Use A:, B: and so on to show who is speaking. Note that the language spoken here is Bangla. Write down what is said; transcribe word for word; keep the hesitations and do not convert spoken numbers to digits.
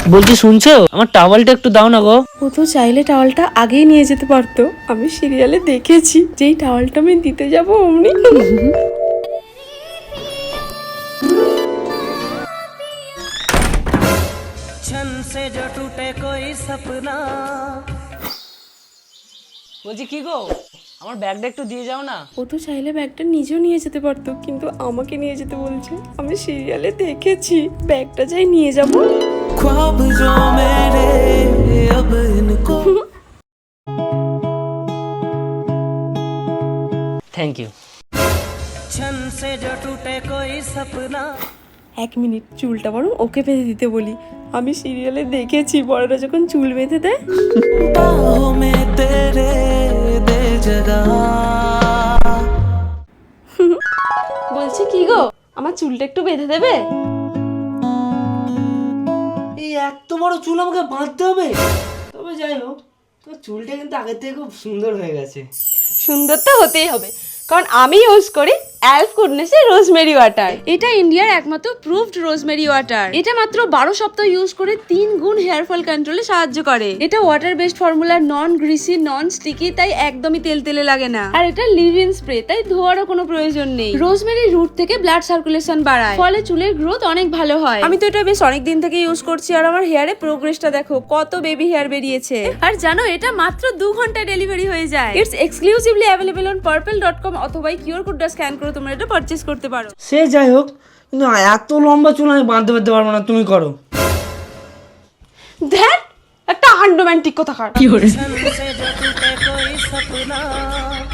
A: বলছি শুনছো, আমার টাওয়ালটা একটু দাও না গো।
B: ও তো চাইলে টাওয়ালটা আগেই নিয়ে যেতে পারতো, আমি সিরিয়ালে দেখেছি যেই টাওয়ালটা আমি দিতে যাবো অমনি
A: বলছি কি গো, আমার ব্যাগটা একটু দিয়ে যাও না।
B: ও তো চাইলে ব্যাগটা নিজেও নিয়ে যেতে পারতো, কিন্তু আমাকে নিয়ে যেতে বলছে। আমি সিরিয়ালে দেখেছি ব্যাগটা যাই নিয়ে যাবো।
C: ख्वाब जो मेरे अब इनको
A: থ্যাংক ইউ।
C: छन से जो टूटे कोई सपना
B: এক মিনিট, চুলটা বরং ওকে বেঁধে দিতে বলি। আমি সিরিয়ালে দেখেছি বড়রা যখন চুল বেঁধে দেয়।
C: बाहों में तेरे दे जगह
B: বলছি কি গো, আমার চুলটা একটু বেঁধে দেবে?
D: এই এত বড় চুল আমাকে বাঁধতে হবে? তবে যাই হোক, তোর চুলটা কিন্তু আগের থেকে খুব সুন্দর হয়ে গেছে।
B: সুন্দর তো হতেই হবে, কারণ আমি ইউজ করি অ্যালফ গুডনেসের রোজমেরি ওয়াটার। এটা ইন্ডিয়ার একমাত্র প্রুভড রোজমেরি ওয়াটার। এটা মাত্র বারো সপ্তাহ ইউজ করে তিন গুণ হেয়ার ফল কন্ট্রোলে সাহায্য করে। এটা water based formula, non greasy, non sticky, তাই একদমই তেল তেলে লাগে না। আর এটা লিভ ইন স্প্রে, তাই ধোয়ারও কোনো প্রয়োজন নেই। রোজমেরি রুট থেকে ব্লাড সার্কুলেশন বাড়ায়, ফলে চুলের গ্রোথ অনেক ভালো হয়। আমি তো এটা বেশ অনেক দিন থেকে ইউজ করছি, আর আমার হেয়ারে প্রোগ্রেসটা দেখো, কত বেবি হেয়ার বেরিয়েছে। আর জানো, এটা মাত্র দু ঘন্টায় ডেলিভারি হয়ে যায়। It's exclusively available on purple dot com অথবা কিউআর কোডটা স্ক্যান করে তোমরা এটা পারচেজ করতে পারো।
D: সে যাই হোক, কিন্তু এত লম্বা চুল আমি বাঁধতে পারতে পারবো না, তুমি করো।
B: ধ্যাট, একটা আনরোম্যান্টিক কথা কার।
C: छन से जो टूटे कोई सपना